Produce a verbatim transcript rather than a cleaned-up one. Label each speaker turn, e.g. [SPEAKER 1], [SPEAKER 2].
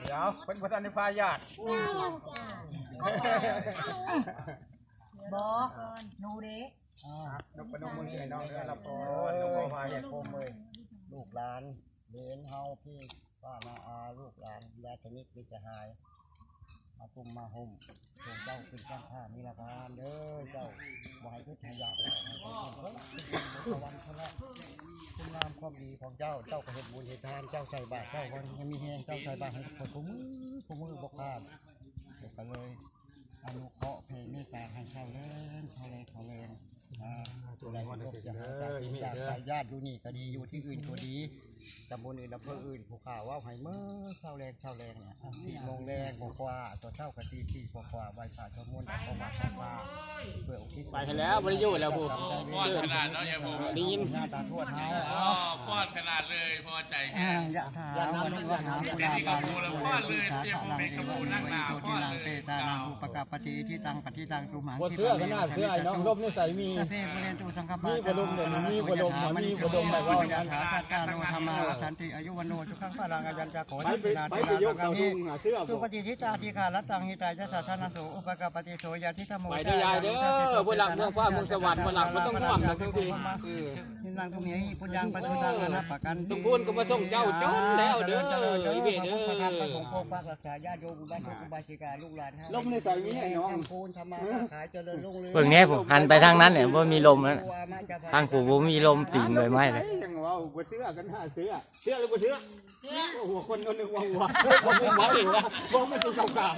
[SPEAKER 1] เดี๋ยวเป็นประธานในพายาด
[SPEAKER 2] บอกหนูเด็ก
[SPEAKER 1] นกปนกมือให้น้องเรือละพรนกพายาดโคมเลย
[SPEAKER 3] ลูกหลานเลี้ยงเฮาพี่ป้านาอาลูกหลานยาชนิดมิจะหายมาตุ้มมาห่มส่งเจ้าเป็นข้าข้ามีราคาเด้อเจ้าบ่ให้ทุกข์ยากให้คนเพิ่นสวรรค์เขาละคุณงามความดีของเจ้าเจ้าก็เห็นบุญเห็นทานเจ้าใส่บาตรเจ้าวันยังมีแหงเจ้าใส่บาตรให้คนผู้มือผู้มือบอกพลาดเดี๋ยวก็เลยอนุเคราะห์เพลงเมตตาให้เช่าเล่นเช่าเล่นเช่าเล่นอ่าตัวไหนก็จะหาจากจากญาติอยู่นี่ก็ดีอยู่ที่อื่นก็ดีตำบลอื่นอำเภออื่นผู้ข่าวว่าไห้เมื่อเช่าแรงเช่าแรงเนี่ยสี่โมงแรงกว่าตัวเช่ากะตีสี่กว่าใบขาดจมูกออกมาข้างว่าเพื่ออุทิศ
[SPEAKER 4] ไปแล้วบริยุทธ์แล้วผู้
[SPEAKER 5] ป้อนขนาดเนาะเนี่ยผม
[SPEAKER 4] ได้ยิน
[SPEAKER 3] หน้าตาทวดเท้า
[SPEAKER 5] อ๋อป้อนขนาดเลยพอใจแค่
[SPEAKER 3] ยะถาวันนี้ว่าหาปุราบาลีปุราบิสาขานังเตโตตินังเตตานังอุปกปฏิที่ตังปฏิตังตุมังที่เสื้อกันหน้าเสื้อไอ้น้องร่มนี่ใส่มีเพ่กุเรนตุสังฆปามีกระดุมเนี่ยมีกระดุมมีกระดุมแบบว่าอย่างนั้นสัตตาโนธรรมาสันติอายุวันโนสุขังพลังอายัญจะขอให้นาทียกเสาดุงเสื้อสุปฏิทิตาทีขารัตตังหิตายะสัทธนาโสอุปกปฏิโสยาทิธโม
[SPEAKER 4] ไปได้ยายเด้อผู้หลักเมืองฟ้าเมืองสวรรค์ผู้หลักมันต้องห่วงนะทุกที
[SPEAKER 3] นินางตุเมียปุญญังปฏิทังอนัปปะกัน
[SPEAKER 4] ทุกคนก็มาส่งเจ้าจนแล้วเด้ออีเบเด้อ
[SPEAKER 3] พระธรรมพระสงฆ์ปกปักรักษาญาติโยมอุบาสกอุบาสิกาลูกหลานลมในใจมีให้น้องคูณธรรมะขายเจริญรุ่งเรือง
[SPEAKER 6] เบิ่งแน่ผมหันไปทางนั้นเนี่ยว่ามีลมแล้วทางกูบ่มีลมติ่งใบไม้เลย
[SPEAKER 1] ยังว่าบ่เสื้อกันหน้าเสื้อเสื้อหรือบ่เสื้อหัวคนคนนึงว่าหัวหัวหัวเองว่าบ่มันสิเก่า